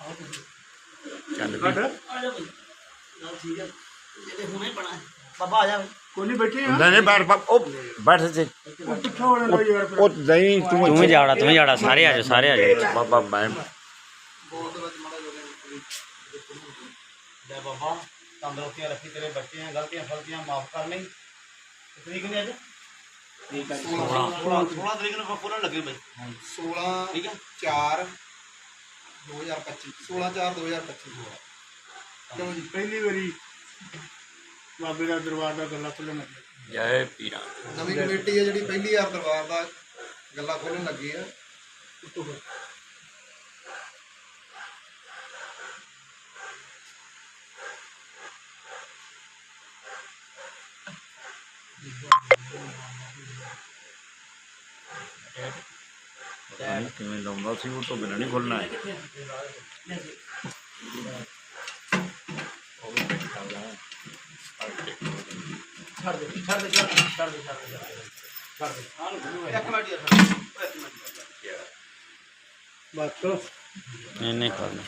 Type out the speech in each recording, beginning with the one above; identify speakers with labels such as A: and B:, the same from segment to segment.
A: ਚੱਲ ਵੀ नहीं बैठ ओ बैठ से ओ नहीं
B: तू ही जाड़ा सारे आ जाओ
A: बाबा मैं
C: बाबा तंदुरुस्तियां रखी तेरे बच्चे हैं गलतियां फलतियां माफ कर नहीं तरीक ने अज 16 तरीक को खुलन लगे भाई
D: 16 ठीक है 4 2025 16/4/2025
C: चलो जी पहली बारी बाबे का दरबार का गला खुलन लगे
A: जय पीरा
D: नवी कमेटी है जी पहली बार दरबार का गला खोलन लगी है
A: किवें लाउंदा सी वो तो बिना नहीं खुलना है
B: नहीं खोलना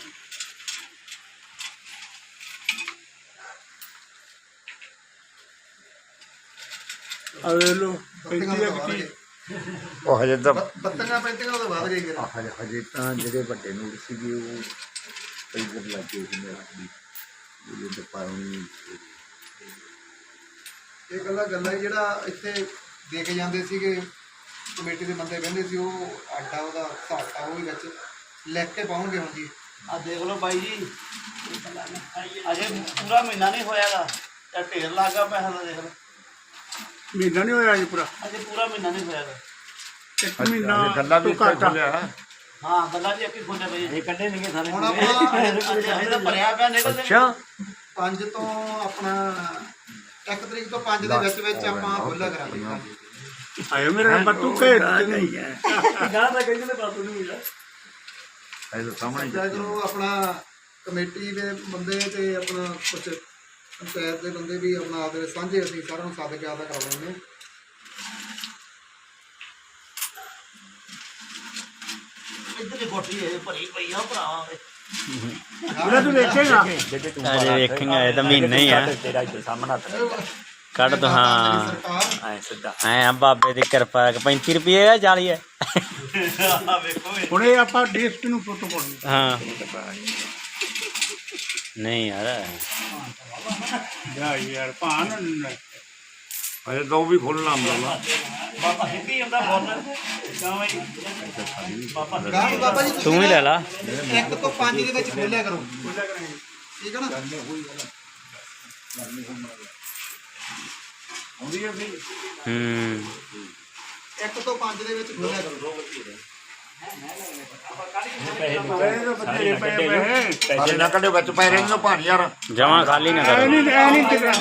A: ਉਹ ਹਜੇ ਤਾਂ
D: ਬੱਤੀਆਂ ਪੈਂਤੀਆਂ ਉਹਦੇ ਬਾਅਦ ਗਈ
A: ਹਜੇ ਤਾਂ ਜਿਹੜੇ ਵੱਡੇ ਨੂਰ ਸੀਗੇ ਉਹ ਇੱਧਰ ਲੱਗੇ ਸੀ ਮੇਰਾ ਜਿਹੜੇ ਦਪਾਉਣੀ
D: ਇਹ ਗੱਲਾਂ ਹੀ ਜਿਹੜਾ ਇੱਥੇ ਦੇ ਕੇ ਜਾਂਦੇ ਸੀਗੇ ਕਮੇਟੀ ਦੇ ਬੰਦੇ ਕਹਿੰਦੇ ਸੀ ਉਹ ਆਟਾ ਉਹਦਾ ਘਾਟਾ ਉਹ ਵੀ ਵਿੱਚ ਲਿਖ ਕੇ ਪਾਉਣਗੇ ਹੁਣ ਜੀ
C: आ देख लो भाई जी अजे पूरा महीना नहीं होयागा या ढेर लागा पैसा का देख लो
E: महीना नहीं होया जी पूरा
C: अजे पूरा महीना नहीं होयागा
E: एक महीना
A: ਗੱਲਾਂ ਵੀ
E: तो घाटा
C: हाँ गल्ला जी अक्की खोले भाई ये कड्डे नहीं सारे
D: ਹੁਣ ਆਪਾਂ
C: अजे भरिया पिया निकलदे
A: ਅੱਛਾ
D: 5 ਤੋਂ ਆਪਣਾ 1 ਤਰੀਕ ਤੋਂ 5 ਦੇ ਵਿੱਚ ਆਪਾਂ ਖੋਲਾ ਕਰਾਂਗੇ
E: आयो मेरा नंबर तू कह नहीं है
C: गाना था कहीं ने बात नहीं मिला
A: ਇਹ ਤਾਂ ਸਾਹਮਣੇ
D: ਜਦੋਂ ਆਪਣਾ ਕਮੇਟੀ ਦੇ ਬੰਦੇ ਤੇ ਆਪਣਾ ਕੁਝ ਪੰਚਾਇਤ ਦੇ ਬੰਦੇ ਵੀ ਆਪਣਾ ਆਪਦੇ ਸਾਂਝੇ ਅਸੀਂ ਸਾਰਿਆਂ ਨੂੰ ਸੱਦ ਕੇ ਆਦਾ ਕਰਾ ਲੈਂਦੇ ਹਾਂ
C: इधर की कोठी है भरी पई आ भरा
E: पूरा तू देखेगा
B: अरे देखेंगे ये तो महीना ही है
A: ਤੇਰਾ ਇੱਥੇ ਸਾਹਮਣਾ
B: कट तो हाँ
D: ਸਰਕਾਰ
A: ਐ ਸਿੱਧਾ
B: ऐ बाबे की कृपा 35 रुपये है 40 है
C: देखो
E: ਹੁਣ ਇਹ ਆਪਾਂ ਡਿਸਟ ਨੂੰ ਫੋਟੋ ਪਾਉਣੀ
B: हाँ नहीं यार
E: ਜਾ ਯਾਰ ਭਾਨ
A: ਅਜੇ ਤਾਂ ਉਹ ਵੀ ਖੋਲਣਾ ਹੁੰਦਾ
C: बाबा हिंदी अंदा बोल क्यों भाई बाबा
D: ਗਾਂ ਬਾਬਾ ਜੀ
B: तू ही ले ला
D: 1 ਤੋਂ 5 ਦੇ ਵਿੱਚ ਖੋਲਿਆ ਕਰੋ ਠੀਕ ਹੈ ਨਾ
B: हम्म
D: 1 ਤੋਂ 5 ਦੇ ਵਿੱਚ ਖੋਲਿਆ ਕਰੋ
E: ਬਥੇਰੇ ਪਏ ਪਏ
A: ਅਜੇ ਨਾ ਕੱਢੇ ਵਿੱਚ ਪੈ ਰਹੇ ਨੇ ਭਾਣ ਯਾਰ
B: जमा खाली ना करो
E: ਨਹੀਂ ਟਿਕਣਾ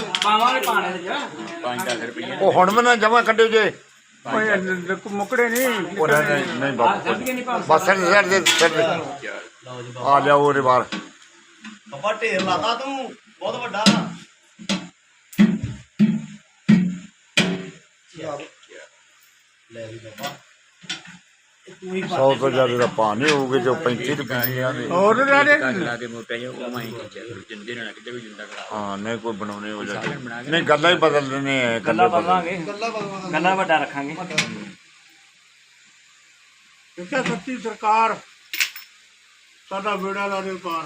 A: ਉਹ ਹੁਣ ਮੈਂ ਨਾ ਜਮਾ ਕੱਢੇ ਜੇ
E: ਓਏ ਮੁਕੜੇ ਨਹੀਂ
A: ਉਹ ਨਹੀਂ ਬਾਬਾ ਬਸ ਸਿਰ ਦੇ ਆ ਲਿਆ ਉਹਦੇ ਬਾਹਰ
C: बाबा ढेर लाता तू बहुत बड़ा ले भी बाबा तू ही
A: 100 ਤੋਂ ਜ਼ਿਆਦਾ ਦਾ ਭਾਅ ਨਹੀਂ ਹੋਊਗੇ ਜੋ 35 ਰੁਪਏ ਦੇ
E: ਹੋਰ ਰਾੜੇ
A: ਹਾਂ ਨਹੀਂ ਕੋਈ ਬਣਾਉਣੇ ਹੋ ਜਾਂਦੇ ਨਹੀਂ ਗੱਲਾਂ ਹੀ ਬਦਲ ਦਿੰਦੇ ਆ ਗੱਲਾਂ ਬਦਲਾਂਗੇ
D: ਗੱਲਾਂ
B: ਵੱਡਾ ਰੱਖਾਂਗੇ
E: ਇੱਥੇ ਸੱਚੀ ਸਰਕਾਰ ਸਾਡਾ ਬੇੜਾ ਲਾ ਦੇ ਪਾਰ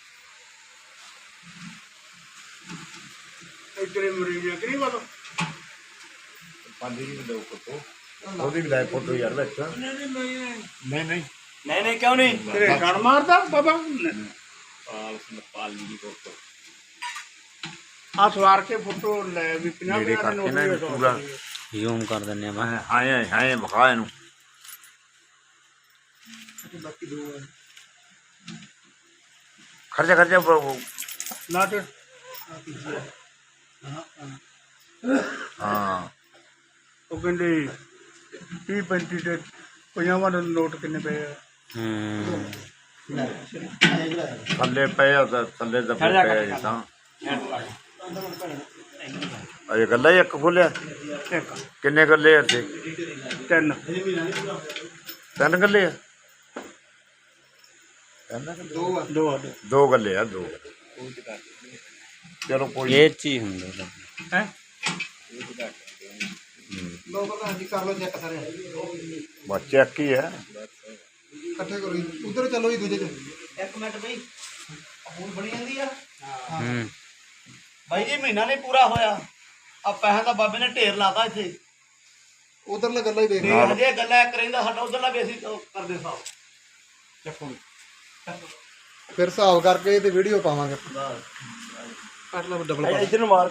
E: ਇੱਧਰੇ ਮਰੀਜ਼ ਆ ਕਰੀ ਬਾਬਾ
A: ਪਾਂਦੀ ਵੀ ਦੋ ਫੋਟੋ ਉਹਦੀ ਵੀ ਲੈ ਫੋਟੋ ਯਾਰ ਵਿੱਚ ਨਹੀਂ ਨਹੀਂ
B: नहीं क्यों नहीं
E: ਤੇਰੇ ਛੜ ਮਾਰਦਾ ਬਾਬਾ ਆ ਸਵਾਰ ਕੇ ਫੋਟੋ ਲੈ ਵੀ 50
A: ਮੇਰੇ
E: ਦੇ
A: ਕਰਕੇ ਨਾ
E: ਨੋਟ
A: ਪੂਰਾ
B: जूम कर देने मैं
A: ਹਾਏ ਹਾਏ ਵਿਖਾ ਇਹਨੂੰ
D: ਬਾਕੀ ਦੋ ਹੈ
A: ਖਰਚਾ
E: ਨਾ ਤੇ
A: ਹਾਂ
E: ਉਹ ਕਹਿੰਦੇ 30 35 ਤੇ 50 ਦੇ ਨੋਟ ਕਿੰਨੇ ਪਏ ਆ
A: ਥੱਲੇ ਪਏ ਆ ਤਾਂ ਥੱਲੇ ਤਾਂ ਪਏ ਆ ਤਾਂ ਅਜੇ ਗੱਲਾਂ ਹੀ ਇੱਕ ਖੋਲਿਆ
E: ਇੱਕ
A: ਕਿੰਨੇ ਗੱਲੇ ਇੱਥੇ
E: 3
A: ਤਿੰਨ ਗੱਲੇ ਆ ਕਹਿੰਦਾ ਕਿ
D: ਦੋ ਆ
E: ਦੋ
A: ਦੋ ਗੱਲੇ ਆ ਦੋ। ਚਲੋ ਕੋਈ
B: ਇਹ ਚ ਹੀ ਹੁੰਦਾ
E: ਹੈ
D: ਦੋ ਪ੍ਰਧਾਨ ਜੀ ਕਰ ਲਓ ਚੈੱਕ ਸਾਰੇ
A: ਬਸ ਚੈੱਕ ਹੀ ਹੈ।
D: ਇਕੱਠੇ ਕਰੋ ਜੀ ਉਧਰ ਚਲੋ ਜੀ ਦੂਜੇ ਚ
C: ਇੱਕ ਮਿੰਟ ਬਈ ਹੁਣ ਬਣੀ ਜਾਂਦੀ ਆ
B: ਹੂੰ
C: ਬਾਈ ਜੀ ਮਹੀਨਾ ਨਹੀਂ ਪੂਰਾ ਹੋਇਆ ਆ ਪੈਸੇ ਦਾ ਬਾਬੇ ਨੇ ਢੇਰ ਲਾਤਾ ਇੱਥੇ
D: ਉਧਰਲਾ ਗੱਲਾਂ ਹੀ ਦੇਖ
C: ਤੇ
D: ਲਓ
C: ਹਜੇ ਗੱਲਾਂ ਇੱਕ ਰਹਿੰਦਾ ਸਾਡਾ ਉਧਰਲਾ ਵੀ ਅਸੀਂ ਉਹ ਕਰਦੇ ਸਾਬ
D: ਚੱਕੋ ਫਿਰ ਹਿਸਾਬ ਕਰਕੇ ਤੇ ਵੀਡੀਓ ਪਾਵਾਂਗੇ ਕੱਟ ਲਓ ਡਬਲ
C: ਇੱਧਰ ਨੂੰ ਮਾਰ